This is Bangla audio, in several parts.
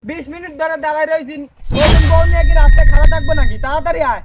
20 মিনিট ধরে দাঁড়ায় রয়েছি, নতুন বউ নিয়ে কি রাস্তায় খাড়া থাকবো নাকি? তাড়াতাড়ি আয়,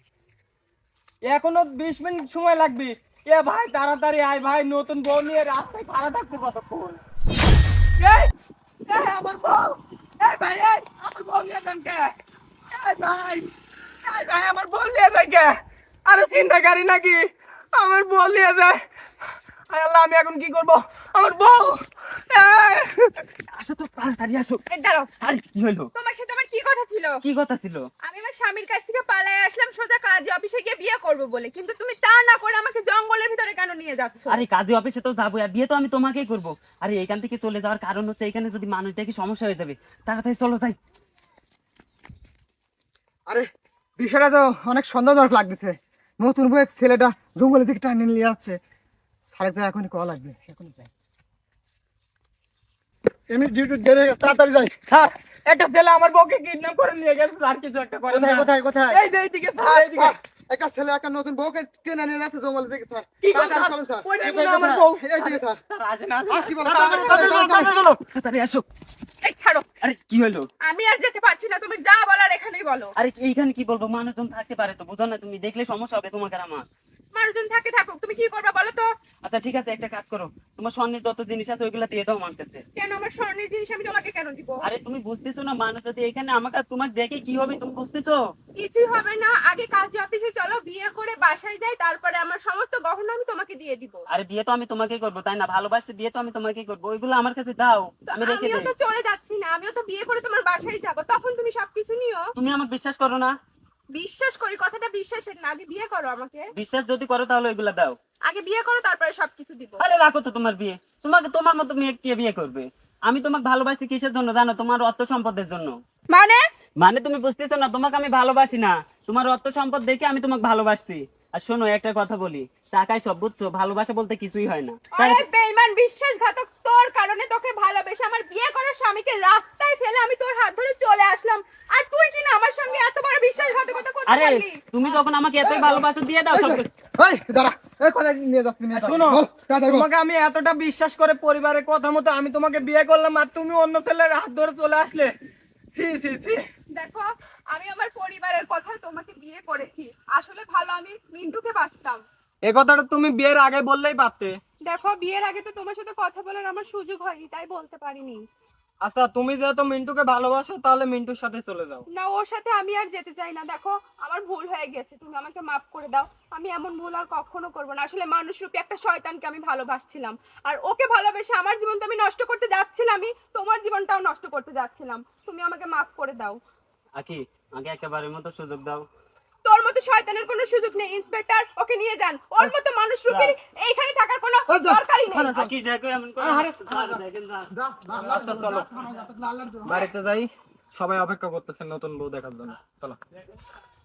এখনো 20 মিনিট সময় লাগবে। এ ভাই তাড়াতাড়ি আয় ভাই, নতুন বউ নিয়ে রাস্তায় খাড়া থাকবো কতক্ষণ? এই, এই আমার বউ, এই ভাই, এই আমার বউ নিয়ে যান কে? এই ভাই, এই ভাই আমার বউ নিয়ে যায় কে? আরে চিন্তাকারী নাকি আমার বউ নিয়ে যায়? আয় আল্লাহ, আমি এখন কি করবো? আমার বউ, এই, আসো তো তাড়াতাড়ি আসো। এই দাঁড়াও, আরে কি হইলো? তোমার সাথে আমার কি কথা ছিল? কি কথা ছিল? আমি আমার স্বামীর কাছ থেকে পালায়ে আসলাম সোজা কাজী অফিসে গিয়ে বিয়ে করব বলে, কিন্তু তুমি তা না করে আমাকে জঙ্গলের ভিতরে কেন নিয়ে যাচ্ছ? আরে কাজী অফিসে তো যাবো, আর বিয়ে তো আমি তোমাকেই করবো। আরে এখান থেকে চলে যাওয়ার কারণ হচ্ছে এখানে যদি মানুষ দেখে সমস্যা হয়ে যাবে। তাড়াতাড়ি চলো যাই। আরে বিষয়টা তো অনেক সন্দেহজনক লাগতেছে। নতুন বউ এক ছেলেটা জঙ্গলের দিকে টানে নিয়ে যাচ্ছে। সাড়ে তো এখনই কল লাগবে, এখনই যাই। এমনি ডিউটি দেরি হয়ে গেছে, তাড়াতাড়ি যাই। স্যার, একটা ছেলে আমার বউকে কিডন্যাপ করে নিয়ে গেছে স্যার, কিছু একটা করে। কোথায় কোথায় কোথায়? এই যে এইদিকে স্যার, এইদিকে। একটা ছেলে একটা নতুন বউকে টেনে নিয়ে যাচ্ছে জঙ্গলের দিকে স্যার। কি কথা? তাড়াতাড়ি চলুন স্যার। ওই দেখুন কোথায়, আমার কোথায়? বউ। এইদিকে স্যার। স্যার, আসেন, আসেন। আসছি বলো, তাড়াতাড়ি, তাড়াতাড়ি, তাড়াতাড়ি, তাড়াতাড়ি, তাড়াতাড়ি, চলো। তাড়াতাড়ি আসো। এই ছাড়ো, আরে কি হলো? আমি আর যেতে পারছি না, তুমি যা বলার এখানেই বলো। আরে এইখানে কি বলবো, মানুষজন থাকতে পারে তো, বুঝো না? তুমি দেখলে সমস্যা হবে তোমাকে আর আমার। মানুষজন থাকে থাকুক, তুমি কি করবে বলো তো? আচ্ছা ঠিক আছে, একটা কাজ করো, তোমার স্বর্ণের যত জিনিস আছে ওইগুলা দিয়ে দাও আমার কাছে। কেন আমার স্বর্ণের জিনিস আমি তোমাকে কেন দিব? আরে তুমি বুঝতেছো না, মানুষ যদি এখানে আমাকে আর তোমাকে দেখে কি হবে, তুমি বুঝতেছো? কিছুই হবে না, আগে কাজী অফিসে চলো, বিয়ে করে বাসায় যাই, তারপরে আমার সমস্ত গহনা আমি তোমাকে দিয়ে দিব। আরে বিয়ে তো আমি তোমাকেই করবো, তাই না? ভালোবাসতে বিয়ে তো আমি তোমাকেই করবো, ওইগুলো আমার কাছে দাও, আমি রেখে আমিও দেই। তো চলে যাচ্ছি না, আমিও তো বিয়ে করে তোমার বাসায় যাব, তখন তুমি সবকিছু নিও। তুমি আমাকে বিশ্বাস করো না? বিশ্বাস করি, কথাটা বিশ্বাসের না, আগে বিয়ে করো আমাকে। বিশ্বাস যদি করো তাহলে ওইগুলা দাও। আগে বিয়ে করো, তারপরে সবকিছু দিব। আরে রাখো তো তোমার বিয়ে, তোমাকে তোমার মতো মেয়ে কে বিয়ে করবে? আমি তোমাকে ভালোবাসি কিসের জন্য জানো? তোমার অর্থ সম্পদের জন্য। মানে? মানে তুমি বুঝতেছো না, তোমাকে আমি ভালোবাসি না, তোমার অর্থ সম্পদ দেখে আমি তোমাকে ভালোবাসছি। আর শোনো একটা কথা বলি, টাকায় সব বুঝছো, ভালোবাসা বলতে কিছুই হয় না। আরে বেঈমান বিশ্বাসঘাতক, তোর কারণে তোকে ভালোবেসে আমার বিয়ে করার স্বামীকে রাস্তায় ফেলে আমি তোর হাত ধরে চলে আসলাম, আর তুই কিনা আমার সঙ্গে এত বড় বিশ্বাসঘাতকতা করতে আরে পারলি? তুমি যখন আমাকে এতই ভালোবাসো দিয়ে দাও এই সব যে, কিছু। এই দাঁড়া, এই কোথায় নিয়ে যাচ্ছি? নিয়ে যাও। শোনো, বল, তাড়াতাড়ি বল। তোমাকে আমি এতটা বিশ্বাস করে পরিবারের কথা মতো আমি তোমাকে বিয়ে করলাম, আর তুমি অন্য ছেলের হাত ধরে চলে আসলে। সি সি সি। দেখো, আমি আমার পরিবারের কথা তোমাকে বিয়ে করেছি, আসলে ভালো আমি মিন্টুকে বাসতাম। এই কথাটা তুমি বিয়ের আগে বললেই পারতে। দেখো, বিয়ের আগে তো তোমার সাথে কথা বলার আমার সুযোগ হয়নি, তাই বলতে পারিনি। আচ্ছা, তুমি যেহেতু মিন্টুকে ভালোবাসো তাহলে মিন্টুর সাথে চলে যাও। না, ওর সাথে আমি আর যেতে চাই না। দেখো, আমার ভুল হয়ে গেছে, তুমি আমাকে মাফ করে দাও। আমি এমন ভুল আর কখনো করবো না। আসলে মানুষরূপী একটা শয়তানকে আমি ভালোবাসছিলাম, আর ওকে ভালোবেসে আমার জীবন তো আমি নষ্ট করতে যাচ্ছিলামই, তোমার জীবনটাও নষ্ট করতে যাচ্ছিলাম। তুমি আমাকে মাফ করে দাও। আকি, আগে একেবারের মতো সুযোগ দাও। তোর মতো শয়তানের কোনো সুযোগ নেই। ইন্সপেক্টর, ওকে নিয়ে যান। ওর মতো মানুষরূপী এইখানে থাকার কোনো এই যা, দরকারই নেই। আকি দেখো এমন করে দেখেন না। আচ্ছা চলো, বাড়িতে যাই, সবাই অপেক্ষা করতেছেন নতুন বউ দেখার জন্য, চলো।